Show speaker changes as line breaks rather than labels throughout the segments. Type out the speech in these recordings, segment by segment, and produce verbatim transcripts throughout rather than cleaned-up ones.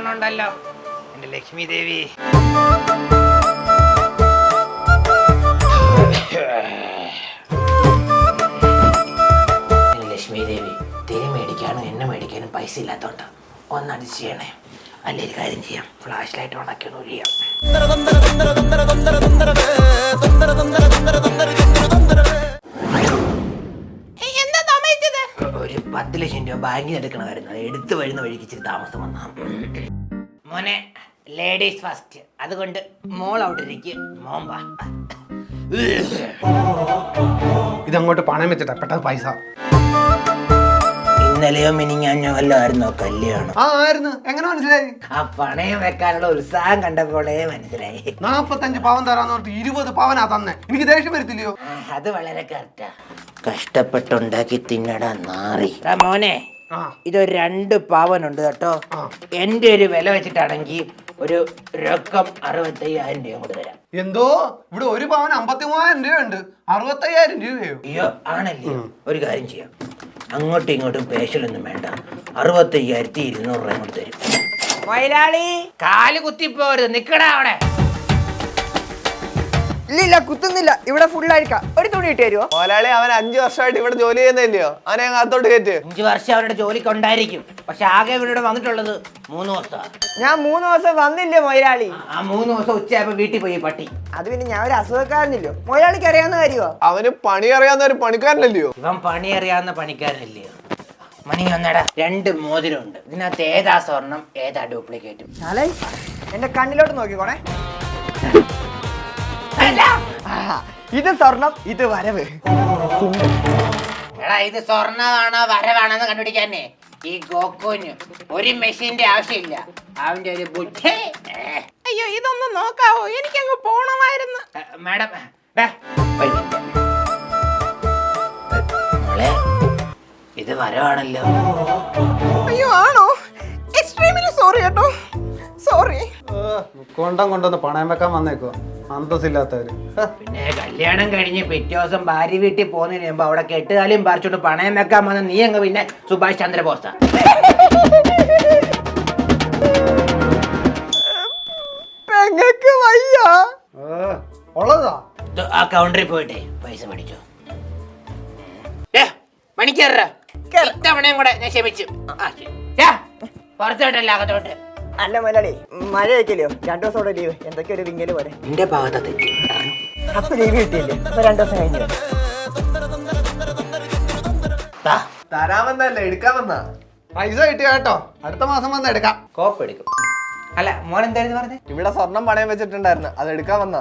സ്വർണ്ണം ഉണ്ടല്ലോ എന്റെ ലക്ഷ്മി ദേവി. ലക്ഷ്മി ദേവി തിരി മേടിക്കാനും എണ്ണ മേടിക്കാനും പൈസ ഇല്ലാത്തോണ്ട ഒന്നടി ചെയ്യണേ. അല്ലെ ഒരു കാര്യം ചെയ്യാം, ഫ്ലാഷ് ലൈറ്റ് ഓണാക്കി ഒന്ന് ഒഴിയാം. ഒരു പത്ത് ലക്ഷം രൂപ ബാങ്കിൽ എടുക്കണമായിരുന്നു, അത് എടുത്തു വരുന്ന വഴിക്ക് ഇച്ചിരി താമസം വന്നാ. മോനെ ലേഡീസ് ഫസ്റ്റ്, അതുകൊണ്ട് മോൾ അവിടെ ഇരിക്കും, മോൻ വാ.
ഇതങ്ങോട്ട് പണം വെച്ചിട്ടാ പെട്ടെന്ന് പൈസ.
ഇന്നലെയോ മിനിങ്ങാഞ്ഞോ വല്ലതായിരുന്നോ കല്യാണം?
ആ ആയിരുന്നു. എങ്ങനെ മനസ്സിലായി?
ആ പണയം വെക്കാനുള്ള ഉത്സാഹം കണ്ടപ്പോഴേ മനസ്സിലായി.
നാപ്പത്തഞ്ച് പവൻ തരാന്ന് പറഞ്ഞിട്ട് ഇരുപത് പവനാ തന്നെ. എനിക്ക് ദേഷ്യം വരത്തില്ലയോ?
അത് വളരെ കറക്റ്റാ. കഷ്ടപ്പെട്ടുണ്ടാക്കി തിന്നടാ നാറി. മോനെ ഇതൊരു രണ്ട് പവനുണ്ട് കേട്ടോ. എന്റെ ഒരു വില വെച്ചിട്ടാണെങ്കിൽ ഒരു രൊക്കം അറുപത്തയ്യായിരം രൂപ കൊണ്ട് തരാം.
എന്തോ ഇവിടെ ഒരു പവൻ അമ്പത്തി മൂവായിരം രൂപയുണ്ട്, അറുപത്തയ്യായിരം രൂപയോ?
അയ്യോ ആണല്ലേ, ഒരു കാര്യം ചെയ്യാം, അങ്ങോട്ടും ഇങ്ങോട്ടും പേശലൊന്നും വേണ്ട, അറുപത്തയ്യായിരത്തി ഇരുന്നൂറ് രൂപ കൊണ്ട് തരും. മൊയിലാളി കാല് കുത്തിപ്പോരുത്, നിക്കടാ അവിടെ.
ഇല്ല കുത്തുന്നില്ല, ഇവിടെ ഫുൾ ആയിരിക്കാം. ഒരു തുണി ഇട്ട് തരുമോ?
മൊയിലാളി അവൻ അഞ്ചു വർഷമായിട്ട് ഇവിടെ ജോലി ചെയ്യുന്നില്ലയോ, അവനെ അകത്തോട്ട് കയറ്റ്.
അഞ്ചു വർഷം അവരുടെ ജോലിക്ക് ഉണ്ടായിരിക്കും, പക്ഷെ ആകെ ഇവിടെ വന്നിട്ടുള്ളത് മൂന്ന് ദിവസം.
ഞാൻ മൂന്ന് ദിവസം വന്നില്ലേ മൊയിലാളി?
ആ മൂന്ന് ദിവസം ഉച്ചയായപ്പോ വീട്ടിൽ പോയി പട്ടി.
അത് പിന്നെ ഞാൻ ഒരു അസുഖക്കാരനില്ലോ, മൊയിലാളിക്ക് അറിയാവുന്ന കാര്യമോ?
അവന് പണി അറിയാവുന്ന ഒരു പണിക്കാരനല്ലയോ?
ഇവൻ പണി അറിയാവുന്ന പണിക്കാരനല്ലയോ? മണി ഒന്നടാ, രണ്ട് മോതിരം ഉണ്ട്, ഇതിനകത്ത് ഏതാ സ്വർണം ഏതാ ഡ്യൂപ്ലിക്കേറ്റും?
എന്റെ കണ്ണിലോട്ട് നോക്കിക്കോണേ. ഇത് സ്വർണം, ഇത് വരവ്.
എടാ ഇത് സ്വർണ്ണമാണോ വരവാണെന്ന് കണ്ടുപിടിക്കാനേ ഈ ഗോക്കുവിന് ഒരു മെഷീന്റെ ആവശ്യമില്ല, അവന്റെ ഒരു ബുദ്ധി.
അയ്യോ ഇതൊന്നും നോക്കാവോ, എനിക്കങ്ങ് പോണമായിരുന്നു.
മാഡം മോളെ ഇത് വരവാണല്ലോ.
അയ്യോ ആണോ? എക്സ്ട്രീംലി സോറി കേട്ടോ, സോറി.
കൊണ്ടം കൊണ്ടൊന്ന് പണയം വെക്കാൻ വന്നേക്കോ അന്തസ്സില്ലാത്തവര്.
പിന്നെ കല്യാണം കഴിഞ്ഞ് പിറ്റേ ദിവസം ഭാര്യ വീട്ടിൽ പോകുന്നതിന് മുമ്പ് അവിടെ കെട്ടുകാലും പറിച്ചോണ്ട് പണയം വെക്കാൻ വന്ന നീ അങ്ങ് പിന്നെ സുഭാഷ് ചന്ദ്രബോസാ.
പെങ്ങൾക്ക് വയ്യ
ഉള്ളതാ.
ആ കൗണ്ടറിൽ പോയിട്ടേ പൈസ മേടിച്ചോ. മണിക്കേറ ഇത്തവണയും കൂടെ ഞാൻ ക്ഷമിച്ചു. പുറത്തോട്ടല്ല അകത്തോട്ട്.
അല്ല മലയാളി മഴ വയ്ക്കല്ലോ, രണ്ടു ദിവസം കൂടെ ലീവ്, എന്തൊക്കെ ഒരു വിങ്ങല് പോലെ.
എന്റെ ഭാഗത്താ തെറ്റി.
അപ്പൊ ലീവ് കിട്ടിയില്ലേ? ഇപ്പൊ രണ്ടു ദിവസം കഴിഞ്ഞു.
തരാമെന്നല്ല എടുക്കാമെന്നാ.
പൈസ കിട്ടിയ കേട്ടോ, അടുത്ത മാസം വന്ന് എടുക്കാം.
കോപ്പ് എടുക്കും. അല്ല മോൻ എന്തായിരുന്നു പറഞ്ഞേ?
ഇവിടെ സ്വർണം പണയം വെച്ചിട്ടുണ്ടായിരുന്നു, അത് എടുക്കാൻ വന്നാ.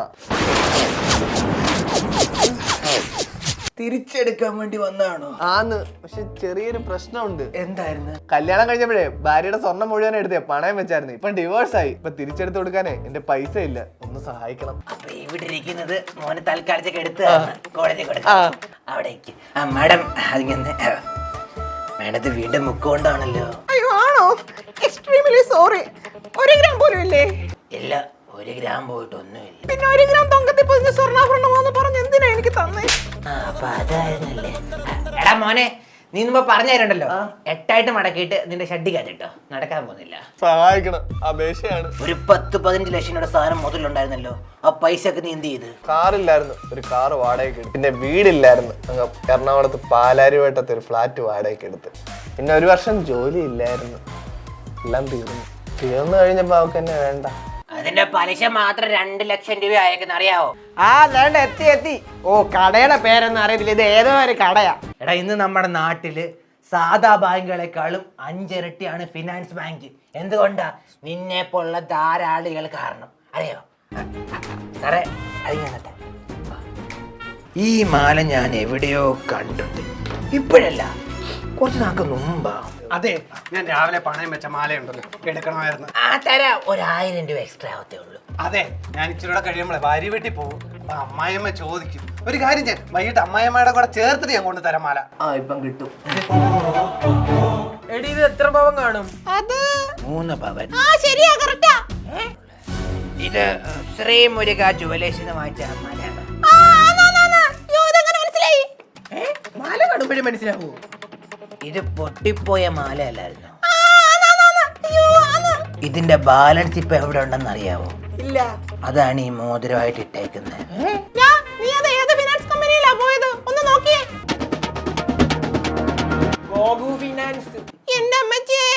തിരിച്ചെടുക്കാൻ വേണ്ടി വന്നതാണോ?
ആന്ന്, പക്ഷെ ചെറിയൊരു പ്രശ്നമുണ്ട്.
എന്തായിരുന്നു?
കല്യാണം കഴിഞ്ഞപ്പോഴേ ഭാര്യയുടെ സ്വർണം മുഴുവൻ എടുത്തേ പണയം വെച്ചായിരുന്നു. ഇപ്പൊ ഡിവോഴ്സ് ആയി, ഇപ്പൊ തിരിച്ചെടുത്ത് കൊടുക്കാനേ എന്റെ പൈസ ഇല്ല, ഒന്ന് സഹായിക്കണം.
അപ്പൊ ഇവിടെ ഇരിക്കുന്നത് മോന് തൽക്കാലത്തേക്ക് എടുത്ത് കോളേജിൽ കൊടുക്കാം. അവിടേക്ക് ആ മാഡം അതിങ്ങനെ മാഡത്ത് വീണ്ടും മുക്കൊണ്ടാണല്ലോ.
അയ്യോ ആണോ? Extremely sorry. ഒരു ഗ്രാം പോലും ഇല്ലേ?
ഇല്ല, ഒരു ഗ്രാം പോയിട്ട് ഒന്നുമില്ല.
പിന്നെ ഒരു ഗ്രാം തൊങ്കത്തിൽ പൊതിഞ്ഞ സ്വർണ്ണാഭരണമാന്ന് പറഞ്ഞ് എന്തിനാ എനിക്ക് തന്നെ?
അപ്പൊ അതായിരുന്നല്ലേ. എടാ മോനെ, നീ മുമ്പ് പറഞ്ഞു തരണ്ടല്ലോ, എട്ടായിട്ട് മടക്കിയിട്ട് നിന്റെ ഷഡ്ഡിക്കകത്തിട്ടോ, നടക്കാൻ പോകുന്നില്ല.
സഹായിക്കണം, അപേക്ഷയാണ്.
ഒരു പത്ത് പതിനഞ്ച് ലക്ഷം രൂപയുടെ സാധനം മുതലുണ്ടായിരുന്നല്ലോ, ആ പൈസ ഒക്കെ നീ എന്ത് ചെയ്ത്?
കാറില്ലായിരുന്നു, ഒരു കാർ വാടകയ്ക്ക് എടുത്തു. പിന്നെ വീടില്ലായിരുന്നു, അങ്ങ് എറണാകുളത്ത് പാലാരിവട്ടത്ത് ഒരു ഫ്ലാറ്റ് വാടകയ്ക്ക് എടുത്ത്. പിന്നെ ഒരു വർഷം ജോലി ഇല്ലായിരുന്നു, എല്ലാം തീർന്നു. തീർന്നു കഴിഞ്ഞപ്പോ അവർക്ക് എന്നെ വേണ്ട.
അതിന്റെ പലിശ മാത്രം രണ്ട് ലക്ഷം രൂപ അയക്കുന്ന അറിയാവോ?
ആ വേണ്ട, എത്തി എത്തി. ഓ കടയുടെ പേരൊന്നും അറിയത്തില്ല, ഇത് ഏതോ ഒരു കടയാ.
എടാ ഇന്ന് നമ്മുടെ നാട്ടില് സാധാ ബാങ്കുകളെക്കാളും അഞ്ചിരട്ടിയാണ് ഫിനാൻസ് ബാങ്ക്. എന്തുകൊണ്ടാ? നിന്നെ പോലുള്ള ധാരാളികൾ കാരണം. അറിയോ സാറേ? അതിങ്ങനത്തെ ഈ മാല ഞാൻ എവിടെയോ കണ്ടിട്ടുണ്ട്, ഇപ്പോഴല്ല കുറച്ച് നാൾക്ക് മുമ്പാ.
അതെ, ഞാൻ രാവിലെ പണയം വെച്ച മാലയുണ്ടല്ലോ, എടുക്കണമായിരുന്നു.
ആ തരാം, ഒരായിരം രൂപ എക്സ്ട്രാ ആവത്തേ ഉള്ളൂ.
അതെ, ഞാൻ ഇച്ചിരി കൂടെ കഴിയുമ്പോഴേ ഭാര്യ വീട്ടിൽ പോകും. അപ്പൊ അമ്മായിയമ്മ ചോദിക്കും. ഒരു കാര്യം ഞാൻ വൈകിട്ട് അമ്മായിയമ്മയുടെ കൂടെ ചേർത്തിട്ട് ഞാൻ കൊണ്ട് തരാം മാല.
ആ ഇപ്പം കിട്ടും.
എടി ഇത് എത്ര പവൻ കാണും? അത്
മൂന്ന് പവൻ.
ആ ശരിയാ, കറക്റ്റാ.
ഇത് ശ്രീ മുരുക ജുവലേഴ്സിന് വാങ്ങിച്ച മാലയാണ്. മാല കടുമ്പഴേ മനസ്സിലാവൂ, ഇത് പൊട്ടിപ്പോയ മാല അല്ലായിരുന്നു. ഇതിന്റെ ബാലൻസ് ഇപ്പൊ എവിടെ ഉണ്ടെന്ന് അറിയാവോ?
ഇല്ല.
അതാണ് ഈ മോതിരമായിട്ട് ഇട്ടേക്കുന്നത്.
നീ അത് ഏത് ഫിനാൻസ് കമ്പനിയിലാ പോയത്? ഒന്ന് നോക്കിയേ. ഗോഗു ഫിനാൻസ്. എന്റെ അമ്മച്ചേ.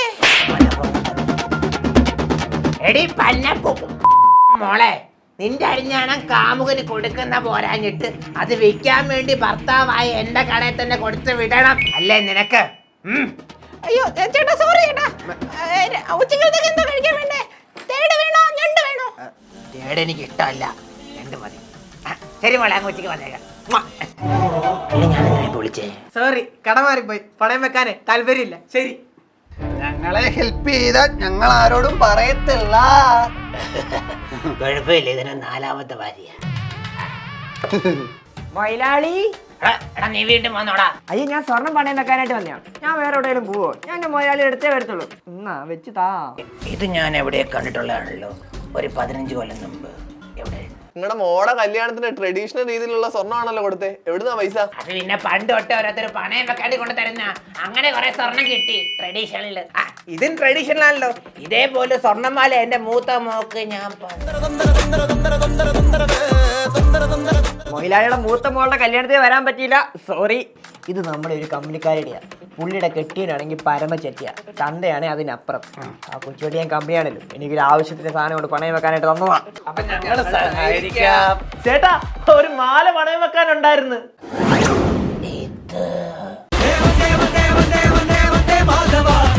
എടി പന്നപ്പൂ മോളെ, നിന്റെ അരിഞ്ഞാണം കാമുകന് കൊടുക്കുന്ന പോരാഞ്ഞിട്ട് അത് വിൽക്കാൻ വേണ്ടി ഭർത്താവായ എന്റെ കടയിൽ തന്നെ കൊടുത്ത് വിടണം അല്ലേ നിനക്ക്?
അയ്യോ ചേട്ടാ, സോറി ചേട്ടാ. ഉച്ചക്കലത്തേക്ക് എന്തോ കഴിക്കാൻ വേണ്ടേ? തേട് വേണോ ഞണ്ട് വേണോ?
തേട് എനിക്ക് ഇഷ്ടമല്ല, രണ്ട് മതി. ആ, ശരി മോളെ, അങ്ങ് ഉച്ചയ്ക്ക് വന്നേക്കാം. ഞാനെങ്ങനെ വിളിച്ചേ?
സോറി, കട മാറിപ്പോയി. പണയം വെക്കാനേ താല്പര്യമില്ല. ശരി.
ഞങ്ങളെ ഹെൽപ്പ് ചെയ്താ ഞങ്ങൾ ആരോടും പറയത്തില്ല.
കുഴപ്പമില്ല, ഇതിന് നാലാമത്തെ ഭാര്യ.
മൊയിലാളി.
എടാ, എടാ, നീ വീണ്ടും വന്നോടാ.
അയ്യോ, ഞാൻ സ്വർണം പണയം വെക്കാനായിട്ട് വന്നതാണ്. ഞാൻ വേറെ എവിടെയെങ്കിലും പോവോ? ഞാൻ എന്റെ മൊയിലാളി എടുത്തേ വരത്തുള്ളൂ. എന്നാ വെച്ച് താ.
ഇത് ഞാൻ എവിടെ കണ്ടിട്ടുള്ളതാണല്ലോ, ഒരു പതിനഞ്ച് കൊല്ലം മുമ്പ്. എവിടെ?
നിങ്ങളുടെ മോടെ കല്യാണത്തിന് ട്രഡീഷണൽ രീതിയിലുള്ള സ്വർണ്ണമാണല്ലോ കൊടുത്തേ. എവിടുന്നാ പൈസ?
അത് പിന്നെ പണ്ട് തൊട്ട് ഓരോരുത്തർ പണയം വെക്കാണ്ട് കൊണ്ട് തരുന്ന, അങ്ങനെ കുറെ സ്വർണം കിട്ടി ട്രഡീഷണലില്.
ഇതും ട്രഡീഷണൽ ആണല്ലോ.
ഇതേപോലെ സ്വർണ്ണമാല എന്റെ മൂത്ത മോക്ക് ഞാൻ
മൊയിലാളിയുടെ മൂത്ത മോളുടെ കല്യാണത്തിന് വരാൻ പറ്റിയില്ല. സോറി. ഇത് നമ്മുടെ ഒരു കമ്പനിക്കാരുടെയാ. പുള്ളിയുടെ കെട്ടിയനാണെങ്കിൽ പരമചെറ്റിയ, തന്തയാണെങ്കിൽ അതിനപ്പുറം. ആ കൊച്ചുവെട്ടി ഞാൻ കമ്പനിയാണല്ലോ, എനിക്കൊരു ആവശ്യത്തിന് സാധനം കൊണ്ട് പണയം വെക്കാനായിട്ട് തന്നതാ.
അപ്പൊ ഞങ്ങൾ സഹായിക്കാം.
ചേട്ടാ, ഒരു മാല പണയം വെക്കാനുണ്ടായിരുന്നു.
ഇത്